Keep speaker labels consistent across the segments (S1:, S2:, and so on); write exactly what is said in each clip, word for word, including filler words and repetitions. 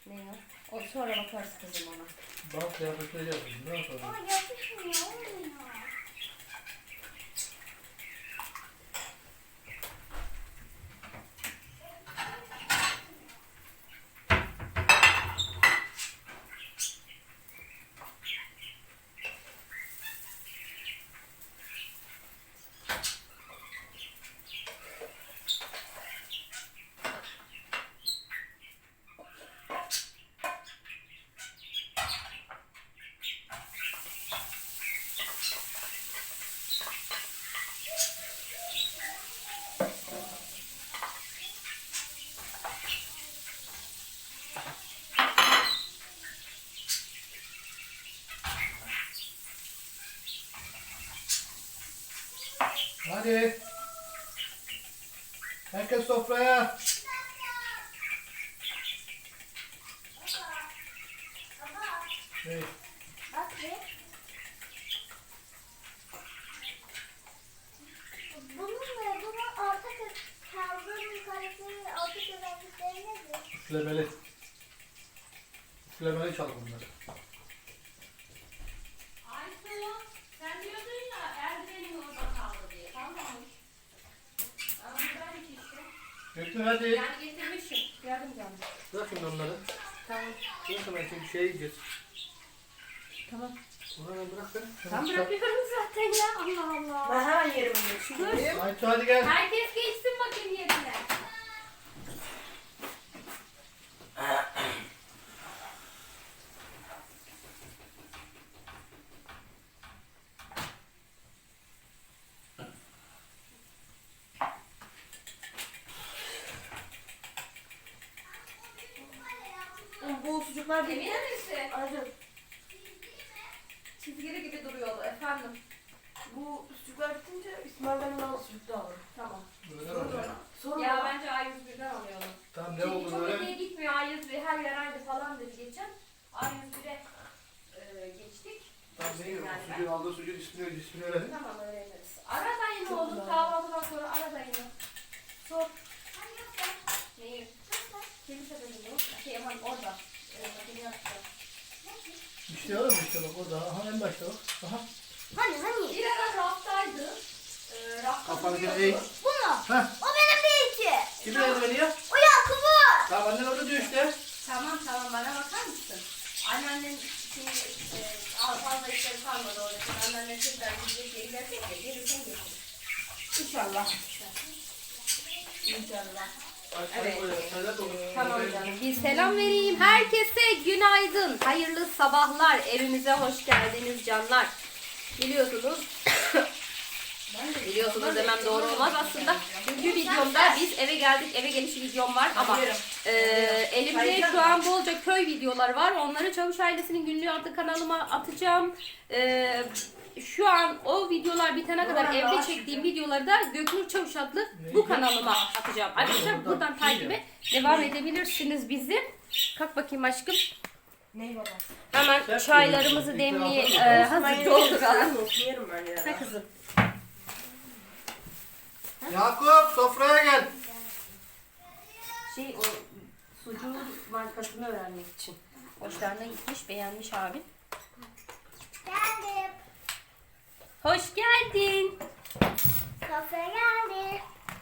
S1: Ne ya? O sonra bakarız kızım ona.
S2: Bak kıyafetleri yapayım. Ne yapalım?
S3: Ama yapışmıyor, olmuyor.
S2: Hadi. Herkes sofraya. Evet.
S3: Bak bir. Bunun ve bunun orta kaldığının karakteri, orta özellikleri nedir?
S2: Üflemeli. Üflemeli çal bunları.
S1: Aysu, sen diyordun ya Erdoğan'ın orada kaldı diye. Tamam. Ama ben işte.
S2: Göktuğ hadi.
S1: Yani getirmişim. Yardım canım.
S2: Bırak şimdi onları.
S1: Tamam.
S2: Bırak hemen çünkü şey yiyeceğiz.
S1: Tamam.
S2: Onu hemen bırak beni.
S1: Tam bırakıyorum zaten ya. Allah Allah.
S4: Ben hemen yerime geçeyim.
S2: Aytu hadi gel.
S1: Herkes geçsin bakayım yerine.
S4: Bu sucuklar değil.
S1: Emin misin?
S4: Acı.
S1: Çizgili gibi duruyordu efendim.
S4: Bu sucuklar bitince İsmail'den al sucuk da alırım.
S1: Tamam.
S2: Böyle oluyor.
S4: Sonra
S1: Ya bence A yüz birden alıyorum.
S2: Tamam ne
S1: Çünkü
S2: oldu
S1: çok
S2: böyle?
S1: iyiye gitmiyor A yüz bir. Her yer aynı falan dedi geçen. A yüz bire e, geçtik.
S2: Tamam ne yiyorum?
S1: Yani ben-
S2: Sucuğun aldığı sucuğun ismini, ismini öğrenin.
S1: Tamam öğreniriz. Ara dayını
S4: Çok
S1: oğlum
S4: güzel.
S1: kahvaltıdan sonra ara dayını. Sor. Neyi? Kilise bölümü. Şey aman orada. Evet, makine yapacağım.
S2: İşte oğlum işte bak orada. Aha en başta bak. Aha.
S3: Hani hani?
S1: Bir ara raftaydı. E, rafta
S2: Kafanı
S1: duruyordu.
S2: eğ.
S3: Bunu.
S2: Heh.
S3: O benim bir iki.
S2: Kimin eldiveni ya?
S3: O Yakup'un.
S2: Tamam annen orada diyor işte.
S1: Tamam tamam bana bakar mısın? Anneannem şimdi e, al- fazla işleri kalmadı orada. Şimdi anneannem tekrar gidecek geri gelecek ya. Gelirsen getir.
S4: İnşallah. İnşallah.
S1: Evet.
S2: Evet.
S1: Tamam canım. Bir selam vereyim. Herkese günaydın. Hayırlı sabahlar. Evimize hoş geldiniz canlar. Biliyorsunuz. Biliyorsunuz demem doğru olmaz aslında. Çünkü videomda biz eve geldik. Eve geliş videom var ama e, elimde şu an bolca köy videoları var. Onları Çavuş Ailesi'nin günlüğü adlı kanalıma atacağım. E, şu an o videolar bitene kadar evde çektiğim videoları da Göknur Çavuş adlı bu kanalıma atacağım. Arkadaşlar buradan takibe devam edebilirsiniz bizi. Kalk bakayım aşkım.
S4: Ney baba?
S1: Hemen çaylarımızı demliğe e, hazır dolduralım.
S4: Yerim ben ya.
S1: Ne kızım?
S2: Yakup sofraya gel.
S1: Şey o sucuğun markasını öğrenmek için. Hoşlarına gitmiş, beğenmiş abin.
S3: Geldim.
S1: Hoş geldin.
S3: Sofra geldi.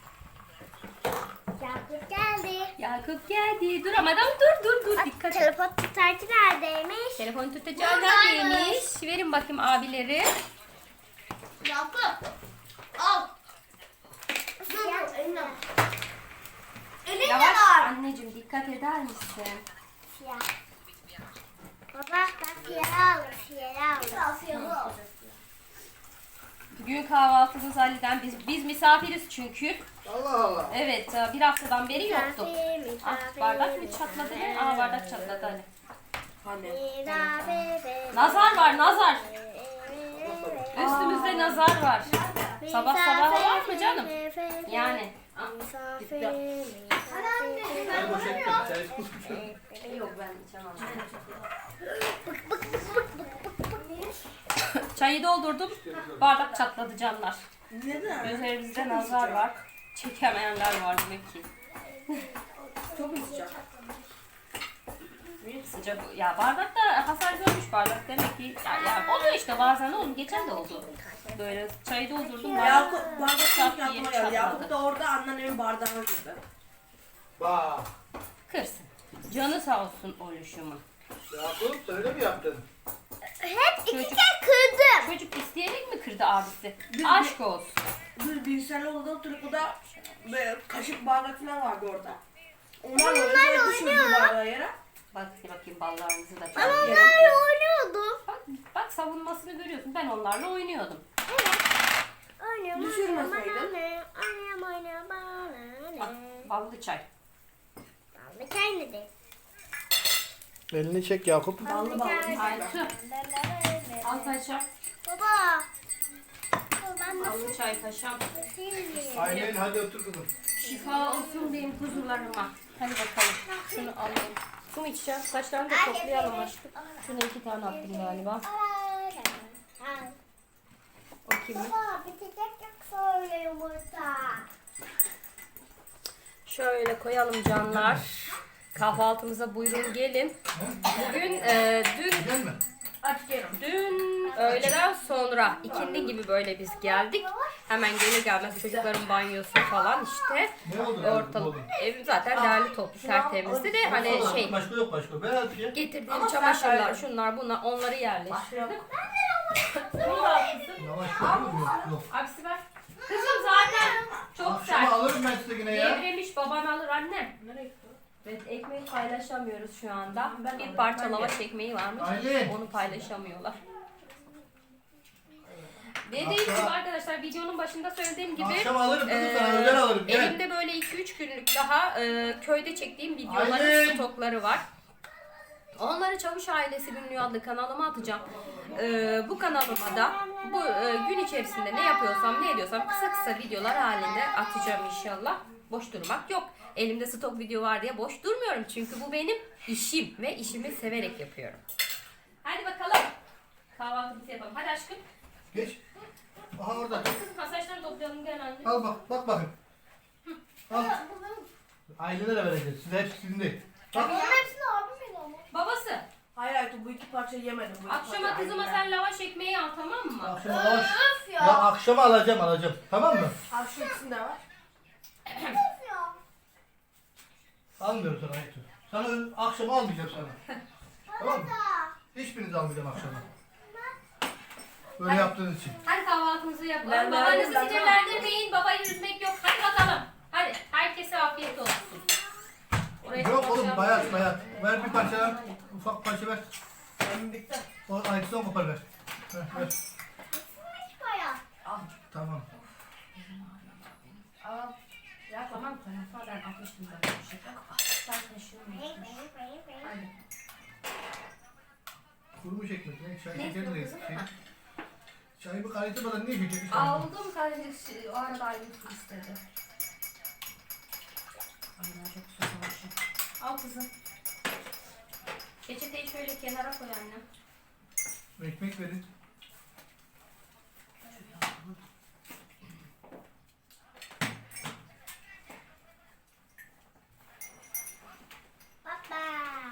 S3: Yakup geldi.
S1: Yakup geldi. Dur ama adam dur dur dur dikkat et.
S3: Telefon tutarcı neredeymiş?
S1: Telefon tutacağı neredeymiş? Verin bakayım abileri.
S3: Yakup. Al. Dur eline. Elinde
S1: Yavaş
S3: var.
S1: anneciğim dikkat eder misin?
S3: Siyah. Baba ben siyah alır. Siyah alır. Siyah alır.
S1: Bugün kahvaltımız Ali'den. Biz, biz misafiriz çünkü.
S2: Allah Allah.
S1: Evet bir haftadan beri yoktu.
S3: Misafir,
S1: Ah,
S3: misafir,
S1: bardak mı çatladı ne? Aa bardak çatladı Ali.
S4: Anne.
S3: misafir.
S1: Nazar var nazar. Üstümüzde nazar var. Sabah sabah var mı canım? Yani.
S3: Misafir,
S2: Ben boş ettim. Sen
S1: Yok ben içemem. Çayı doldurdum. Bardak çatladı canlar.
S4: Neden?
S1: Üzerimizde nazar var. Çekemeyenler var demek ki.
S4: Çok mu sıcak?
S1: sıcak. Ya bardakta hasar görmüş bardak demek ki. Ya, ya oluyor işte bazen oğlum. Geçen de oldu. Böyle çayı doldurdum. bardak
S4: Yakup bardak
S1: çat
S4: çok
S1: diye
S4: yapma geldi. Yakup
S1: çatladı.
S4: da orada anneannemin bardağına girdi.
S2: Bak.
S1: Kırsın. Canı sağ olsun oluşumun.
S2: Yakup sen öyle mi yaptın?
S3: Hep iki
S1: Çocuk-
S3: kere kırdım.
S1: Çocuk isteyerek mi kırdı abisi?
S4: Biz-
S1: Aşk olsun.
S4: Biz bilgisayarlı odada oturup o da böyle kaşık bardak falan vardı orada. Onlarla
S3: Onlarla
S4: oynuyor. Düşürdü
S3: oynuyor.
S4: bardağı yere.
S1: Bak bakayım ballarınızı da
S3: Ben
S1: çalıyorum.
S3: onlarla oynuyordum.
S1: Bak, bak savunmasını görüyorsun. Ben onlarla oynuyordum.
S3: Oynuyorum.
S4: Düşürmeseydin.
S3: Oynuyorum, oynuyorum,
S1: Bak,
S3: oynuyorum.
S1: ballı çay.
S3: Ben de kendim.
S2: Elini çek Yakup.
S4: Ballı ballı.
S1: Aytu. Al paşam.
S3: Baba. Ben nasıl
S1: Ballı çay paşam.
S3: sileyim?
S2: Aynen hadi otur kızım.
S1: Şifa olsun benim kuzularıma. Hadi bakalım. Şunu alayım. Su mu içeceğim? Saçlarını da toplayalım aşkım. Şuna iki tane attım galiba. O kimin?
S3: Baba bitecek yoksa öyle yumurta.
S1: Şöyle koyalım canlar. Kahvaltımıza buyurun gelin. Bugün e, dün
S2: Güzel mi?
S4: Aç gelin.
S1: dün öğleden sonra ikindi gibi böyle biz geldik. Hemen gelir gelmez çocukların banyosu falan işte.
S2: Ne oldu?
S1: Ortalık ev zaten değerli toplu tertemizdi de hani şey
S2: Başka yok başka. Ver hadi ya.
S1: getirdiğim
S4: Ama sen
S1: çamaşırlar
S4: söyle.
S1: şunlar bunlar onları yerleştirdim.
S4: Bunu da al kızım.
S2: Yavaş yok yok yok.
S1: Abisi ver. Kızım zaten çok
S2: Akşama
S1: sert.
S2: alırım ben size yine ya.
S1: Devremiş baban alır annem.
S4: Nereye gitti?
S1: Evet ekmeği paylaşamıyoruz şu anda.
S4: Ben
S1: Bir
S4: alırım,
S1: parça
S4: ben
S1: lavaş
S4: yerim.
S1: ekmeği varmış.
S2: Aylin.
S1: Onu paylaşamıyorlar. Dediğim gibi
S2: Akşam-
S1: arkadaşlar videonun başında söylediğim gibi
S2: Akşam alırım kızım
S1: e,
S2: sana özel alırım. Gel.
S1: elimde böyle iki üç günlük daha e, köyde çektiğim videoların
S2: Aylin.
S1: stokları var. Onları Çavuş Ailesi Günlüğü adlı kanalıma atacağım. E, bu kanalıma da bu e, gün içerisinde ne yapıyorsam ne ediyorsam kısa kısa videolar halinde atacağım inşallah. Boş durmak yok. Elimde stok video var diye boş durmuyorum. Çünkü bu benim işim ve işimi severek yapıyorum. Hadi bakalım. Kahvaltımızı yapalım. Hadi aşkım.
S2: Geç. Aha orada.
S1: Kızım masajları toplayalım gel anne.
S2: Al bak bak bakın. Al. Ailenlere de vereceğiz. Size hepsi sizin değil. Bak.
S3: Onun hepsini abim yedi ama.
S1: Babası,
S4: Hayır Aytu bu iki parçayı yemedim. Bu iki
S1: akşama
S4: parça
S1: kızıma
S4: aynı
S1: sen lavaş ekmeği al tamam mı?
S2: Akşama lavaş.
S3: Öf
S2: Ya
S3: ya.
S2: akşama alacağım alacağım. Tamam mı?
S4: yer. Al şu ikisini de var.
S3: Öf ya.
S2: Almıyorum sana Aytu. Sana ön- akşama almayacağım sana. Tamam mı?
S3: Da.
S2: Hiçbirinizi almayacağım akşama. Böyle yaptığınız için.
S1: Hadi kahvaltımızı yapalım.
S4: Ben- ben-
S1: Babanızı
S4: ben-
S1: sinirlendirmeyin. Babayı üzmek yok. Hadi bakalım. Hadi. Herkese afiyet olsun. Oraya
S2: Yok oğlum
S1: kapatacağım.
S2: bayat bayat. Ver bir parça. Ufak parça ver.
S4: Benim bitti.
S2: O Aytu'dan kopar ver. Ver, ver.
S3: Hiç bayağı.
S2: Tamam.
S1: Al. Ya tamam tamam. Ben atmıştım ben bir şey. Sen taşıyorsun. Hadi.
S2: Kurumuş ekmek. Ne? Çay
S1: Ne
S2: şeker
S1: istiyor
S2: de
S1: kızım?
S2: şey. Çayı bir kaynatmadan niye şeker içiyorsun?
S1: Aldım kardeşim. O arada ayrı su istedi. Ay ben çok susamışım. Al kızım. Peçeteyi şöyle kenara koy annem.
S2: Ekmek verin.
S3: Baba.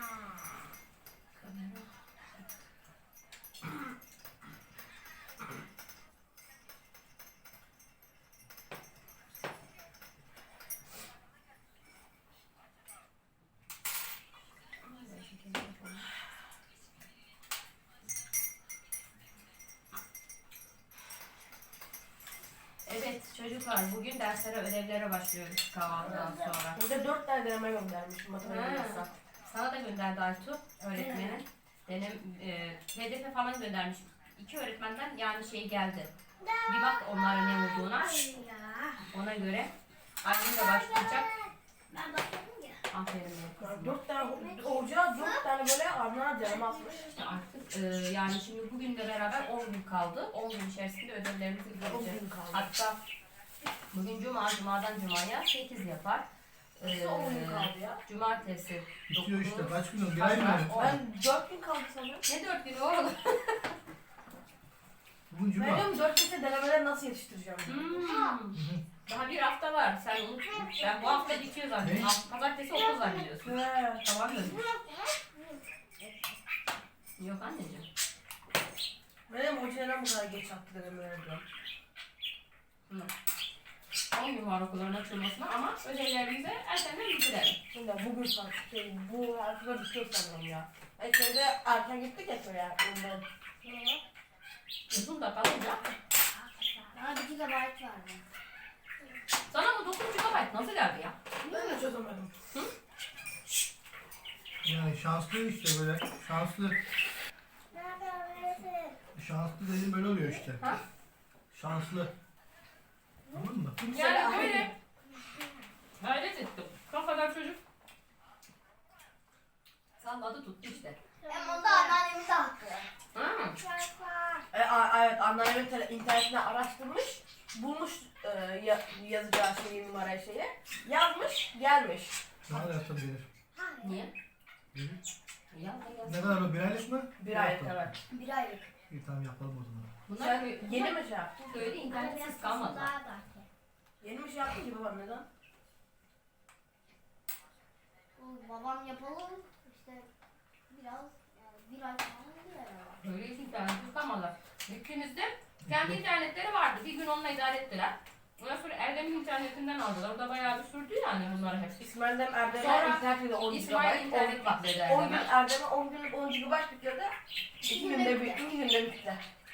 S1: Evet çocuklar bugün derslere ödevlere başlıyoruz kahvaltıdan sonra.
S4: Burada dört tane deneme göndermişim matematik
S1: Ha,
S4: dersi.
S1: sana da gönderdi Aytu öğretmenin. Denem, e, P D F falan göndermiş. İki öğretmenden yani şey geldi. Bir bak onlara ne olduğuna. Ona göre annem de başlayacak.
S3: Ben başladım ya.
S1: Aferin benim
S4: Yani
S1: kızıma.
S4: dört tane hoca dört tane böyle ardına deneme atmış.
S1: İşte artık e, yani şimdi bugünle beraber on gün kaldı. on gün içerisinde ödevlerimizi
S4: On
S1: bitireceğiz.
S4: gün kaldı.
S1: Hatta bugün cuma, cumadan cumaya sekiz yapar. E,
S4: On gün kaldı ya.
S1: Cumartesi
S2: Bitiyor işte.
S1: dokuz.
S2: Kaç gün oldu? Bir ay mı?
S1: On.
S4: Ben dört gün kaldı sanıyorum.
S1: Ne dört günü oğlum?
S2: Bugün
S4: Ben
S2: cuma.
S4: diyorum dört günse denemeleri nasıl yetiştireceğim?
S1: Hmm. Daha bir hafta var. Sen unut. Ben bu hafta bitiyor zannediyorum.
S2: Ne?
S1: Hafta- Pazartesi okul zannediyorsun.
S4: He.
S1: Tamam mı?
S4: neden bu kadar geç attılar merak ediyorum.
S1: Hı. on gün var okulların açılmasına ama ödevlerimizi erkenden bitirelim.
S4: Şimdi bugün saat şey, bu hafta bitiyor sanırım ya. E şeyde erken gittik ya köye ondan.
S1: Uzun da kalınca.
S3: Aa, bir gigabayt vardı.
S1: Sana bu dokuz gigabayt nasıl geldi ya?
S4: Ben de çözemedim.
S2: Yani şanslı işte böyle. Şanslı.
S3: Nerede öğrenesin?
S2: Şanslı dediğim böyle oluyor işte.
S1: Ha?
S2: Şanslı. Anladın mı?
S1: Yani böyle gayret ettim. Kafadan çocuk salladı tuttu işte.
S3: Hem onda anneannemin de hakkı.
S1: Hı.
S4: E, a, evet anneannemin tele- internetine araştırmış. Bulmuş e, ya, yazacağı şeyi numarayı şeyi. Yazmış gelmiş.
S2: Ne kadar yapsam gelir.
S1: Niye?
S2: Gelir.
S1: Ya, ya.
S2: Ne kadar o bir aylık mı?
S4: Bir aylık evet.
S3: Bir aylık.
S2: İyi tamam yapalım o zaman.
S1: Bunlar
S4: Sen
S1: kö-
S4: yeni mi şey yaptın?
S1: köyde internetsiz kalmadı.
S4: Yeni mi şey yaptın ki babam neden?
S3: Babam yapalım işte biraz yani bir ay falan oluyor herhalde.
S1: Böyle hiç internetsiz kalmadılar. Gittiğimizde kendi internetleri vardı. Bir gün onunla idare ettiler. Ondan sonra Erdem'in internetinden aldılar. O da bayağı bir sürdü yani bunları hep.
S4: İsmail'den Erdem'e
S1: Sonra
S4: internette on
S1: İsmail
S4: gigabayt.
S1: internet
S4: on-
S1: yükledi
S4: on gün
S1: Erdem'e.
S4: Erdem'e on gün on gigabayt yükledi. iki günde bir, iki günde bitti.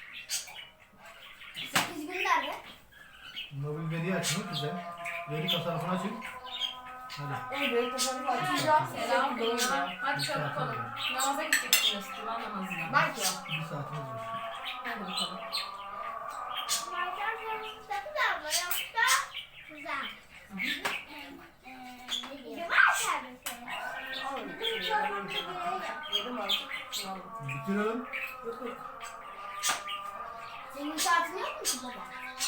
S3: sekiz gün nerede?
S2: Mobil veri açın bize. Veri tasarrufunu açın. Hadi.
S4: Onu böyle tasarruf açacağım.
S1: Selam
S4: Selam
S1: Doğu'ya. Hadi çabuk olun. Namaza gideceksiniz. Cuma namazına.
S4: Ben ki ya.
S2: Bir saatimiz var.
S1: Hadi bakalım.
S3: Marker sorumuz da güzel mi? Yoksa güzel. Ne diyeyim? Marker mesela. Bizim çocuğumuz gibi.
S4: Yedim aldım. Şunu aldım.
S2: Bitirelim.
S4: Yok yok.
S3: Senin saatin yok mu ki baba?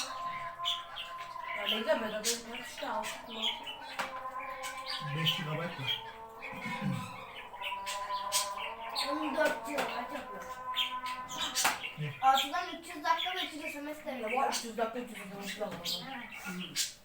S4: Ya ne güzel bedava internet işte aldık kullandık.
S2: beş gigabayt var.
S3: on dört yıl kaç yapıyor?
S2: Ne?
S3: Altıdan üç yüz dakika ve üç yüz S M S
S4: Ya
S3: veriyor.
S4: bu üç yüz dakika üç yüz dakika.
S3: Evet.